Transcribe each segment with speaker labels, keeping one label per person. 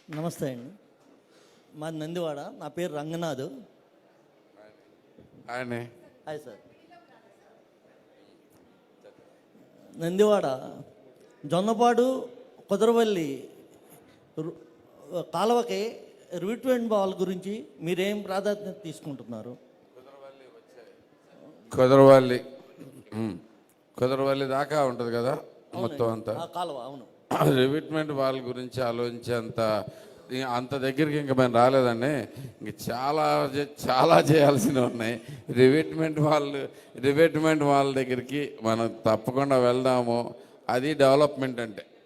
Speaker 1: నమస్తే అండి. మాది నందివాడ. నా పేరు రంగనాథ్.
Speaker 2: ఆయనే
Speaker 1: హాయ్ సార్. నందివాడ జొన్నపాడు కుదరవల్లి కాలువకి రిట్మెంట్ బాల్ గురించి మీరేం ప్రాధాన్యత తీసుకుంటున్నారు?
Speaker 2: కుదరవల్లి దాకా ఉంటుంది కదా మొత్తం అంతా
Speaker 1: కాలువ. అవును.
Speaker 2: రివిట్మెంట్ వాళ్ళ గురించి ఆలోచించేంత అంత దగ్గరికి ఇంకా మేము రాలేదండి. ఇంక చాలా చేయాల్సినవి ఉన్నాయి. రివిట్మెంట్ వాళ్ళ దగ్గరికి మనం తప్పకుండా వెళ్దాము. అది డెవలప్మెంట్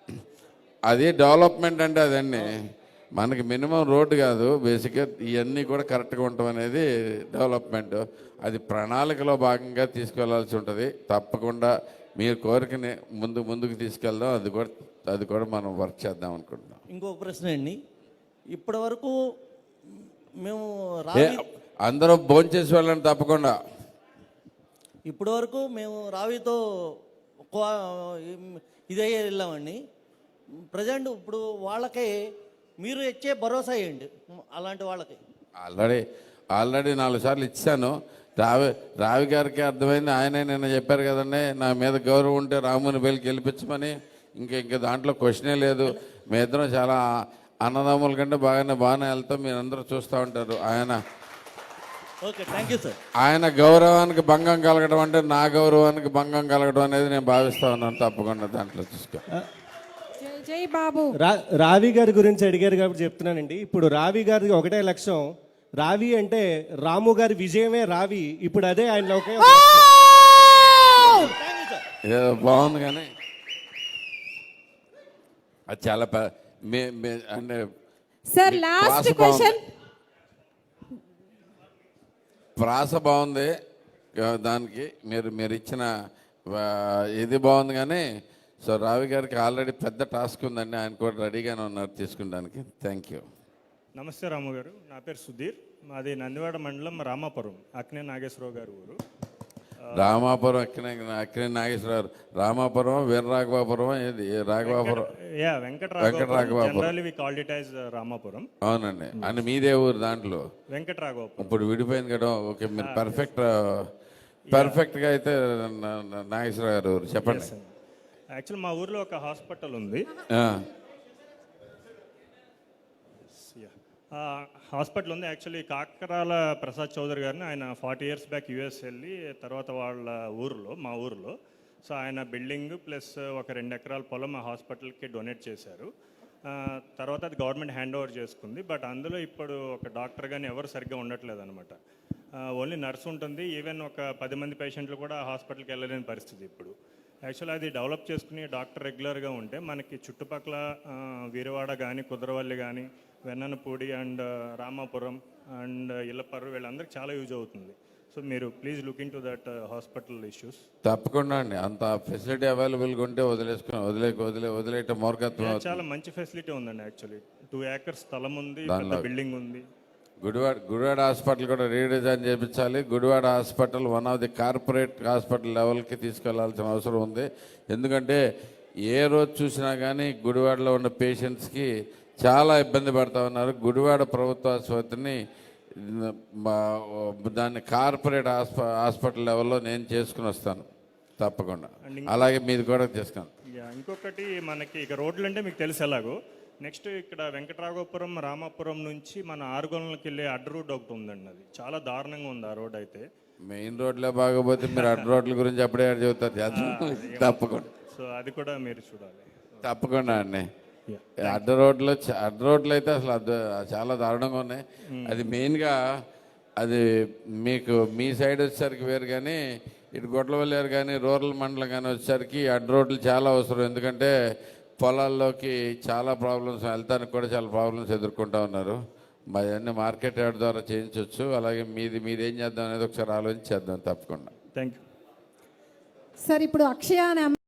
Speaker 2: అంటే అదండి మనకి మినిమం రోడ్డు కాదు, బేసిక్గా ఇవన్నీ కూడా కరెక్ట్గా ఉండటం అనేది డెవలప్మెంట్. అది ప్రణాళికలో భాగంగా తీసుకెళ్లాల్సి ఉంటుంది. తప్పకుండా మీరు కోరికని ముందుకు తీసుకెళ్దాం. అది కూడా మనం వర్క్ చేద్దాం అనుకుంటున్నాం.
Speaker 1: ఇంకొక ప్రశ్న అండి. ఇప్పటి వరకు మేము
Speaker 2: అందరూ భోంచేసి వెళ్ళండి తప్పకుండా.
Speaker 1: ఇప్పటి వరకు మేము రావితో ఇదే వెళ్ళామండి. ప్రజెంట్ ఇప్పుడు వాళ్ళకి మీరు ఇచ్చే భరోసా ఏంటి అలాంటి వాళ్ళకి?
Speaker 2: ఆల్రెడీ 4 సార్లు ఇచ్చాను. రావి గారికి అర్థమైంది. ఆయనే నిన్న చెప్పారు కదండి, నా మీద గౌరవం ఉంటే రాముని వేలికి గెలిపించమని. ఇంకా దాంట్లో క్వశ్చనే లేదు. మీ ఇద్దరం చాలా అన్నదమ్ముల కంటే బాగానే వెళ్తాం. మీరు అందరూ చూస్తూ ఉంటారు.
Speaker 1: Okay, thank you sir.
Speaker 2: ఆయన గౌరవానికి భంగం కలగడం అంటే నా గౌరవానికి భంగం కలగడం అనేది నేను భావిస్తా ఉన్నాను. తప్పకుండా దాంట్లో చూసుకో.
Speaker 3: జై బాబు.
Speaker 4: రావి గారి గురించి అడిగారు కాబట్టి చెప్తున్నానండి. ఇప్పుడు రావి గారి ఒకటే లక్ష్యం. రావి అంటే రాము గారి విజయమే రావి. ఇప్పుడు అదే ఆయన
Speaker 2: ఏదో బాగుంది కానీ అది చాలా అంటే
Speaker 3: సార్ లాస్ట్ క్వశ్చన్.
Speaker 2: ప్రాస బాగుంది, దానికి మీరు ఇచ్చిన ఇది బాగుంది కానీ. సో రావి గారికి ఆల్రెడీ పెద్ద టాస్క్ ఉందండి. ఆయన కూడా రెడీగానే ఉన్నారు తీసుకుంటానికి. Thank you.
Speaker 5: నమస్తే రాము గారు. నా పేరు సుధీర్. మాది నందివాడ మండలం రామాపురం. అక్కినే నాగేశ్వరరావు గారు ఊరు.
Speaker 2: రామాపురం అక్కినే నాగేశ్వరరావు. రామాపురం, వీరరాఘవాపురం, ఏది రాఘవాపురం?
Speaker 5: రామాపురం.
Speaker 2: అవునండి. అని మీదే ఊరు దాంట్లో?
Speaker 5: వెంకటరాఘవాపురం.
Speaker 2: ఇప్పుడు విడిపోయింది కదా. ఓకే, మీరు పర్ఫెక్ట్గా అయితే నాగేశ్వరరావు గారు ఊరు చెప్పండి.
Speaker 5: యాక్చువల్ మా ఊర్లో ఒక హాస్పిటల్ ఉంది. హాస్పిటల్ ఉంది. యాక్చువల్లీ కాకరాల ప్రసాద్ చౌదరి గారిని ఆయన 40 years బ్యాక్ యూఎస్ వెళ్ళి తర్వాత వాళ్ళ మా ఊర్లో సో ఆయన బిల్డింగ్ ప్లస్ ఒక 2 ఎకరాల పొలం మా హాస్పిటల్కి డొనేట్ చేశారు. తర్వాత అది గవర్నమెంట్ హ్యాండ్ ఓవర్ చేసుకుంది. బట్ అందులో ఇప్పుడు ఒక డాక్టర్ కానీ ఎవరు సరిగ్గా ఉండట్లేదు అనమాట. ఓన్లీ నర్స్ ఉంటుంది. ఈవెన్ ఒక 10 మంది పేషెంట్లు కూడా హాస్పిటల్కి వెళ్ళలేని పరిస్థితి ఇప్పుడు. యాక్చువల్లీ అది డెవలప్ చేసుకుని డాక్టర్ రెగ్యులర్గా ఉంటే మనకి చుట్టుపక్కల వీరవాడ కానీ, కుదరవల్లి కానీ, వెన్ననపూడి అండ్ రామాపురం అండ్ ఇల్లపర్రు వీళ్ళందరికీ చాలా యూజ్ అవుతుంది. సో మీరు please look into that hospital issues.
Speaker 2: తప్పకుండా అండి. అంత ఫెసిలిటీ అవైలబుల్గా ఉంటే వదిలేయటం మూర్ఖత్వం.
Speaker 5: చాలా మంచి ఫెసిలిటీ ఉందండి. యాక్చువల్లీ 2 acres స్థలం ఉంది, బిల్డింగ్ ఉంది.
Speaker 2: గుడివాడ హాస్పిటల్ కూడా రీడిజైన్ చేయించాలి. Gudivada hospital one of the corporate hospital లెవెల్కి తీసుకెళ్లాల్సిన అవసరం ఉంది. ఎందుకంటే ఏ రోజు చూసినా కానీ గుడివాడలో ఉన్న పేషెంట్స్కి చాలా ఇబ్బంది పడుతూ ఉన్నారు. గుడివాడ ప్రభుత్వ ఆసుపత్రిని దాన్ని కార్పొరేట్ హాస్పిటల్ లెవెల్లో నేను చేసుకుని వస్తాను తప్పకుండా. అలాగే మీది కూడా చేసుకున్నాను.
Speaker 5: ఇంకొకటి మనకి ఇక రోడ్లు అంటే మీకు తెలుసు ఎలాగో. నెక్స్ట్ ఇక్కడ వెంకటరాఘపురం రామాపురం నుంచి మన ఆరుగొండలకి వెళ్ళే అడ్డ రోడ్ ఒకటి ఉందండి. అది చాలా దారుణంగా ఉంది ఆ రోడ్. అయితే
Speaker 2: మెయిన్ రోడ్లే బాగోపోతే మీరు అడ్డ రోడ్ల గురించి అప్పుడే చెబుతారు. తప్పకుండా.
Speaker 5: సో అది కూడా మీరు చూడాలి.
Speaker 2: తప్పకుండా అండి. అడ్డ రోడ్లు అయితే అసలు చాలా దారుణంగా ఉన్నాయి. అది మెయిన్గా అది మీకు మీ సైడ్ వచ్చేసరికి వేరు, కానీ ఇటు గొడ్లవల్లేరు కానీ రూరల్ మండలం కానీ వచ్చేసరికి అడ్డ రోడ్లు చాలా అవసరం. ఎందుకంటే పొలాల్లోకి చాలా ప్రాబ్లమ్స్, వెళ్తానికి కూడా చాలా ప్రాబ్లమ్స్ ఎదుర్కొంటూ ఉన్నారు. అన్నీ మార్కెట్ యార్డ్ ద్వారా చేయించవచ్చు. అలాగే మీదేం చేద్దాం అనేది ఒకసారి ఆలోచించేద్దాం తప్పకుండా.
Speaker 5: Thank you
Speaker 3: sir. ఇప్పుడు అక్షయ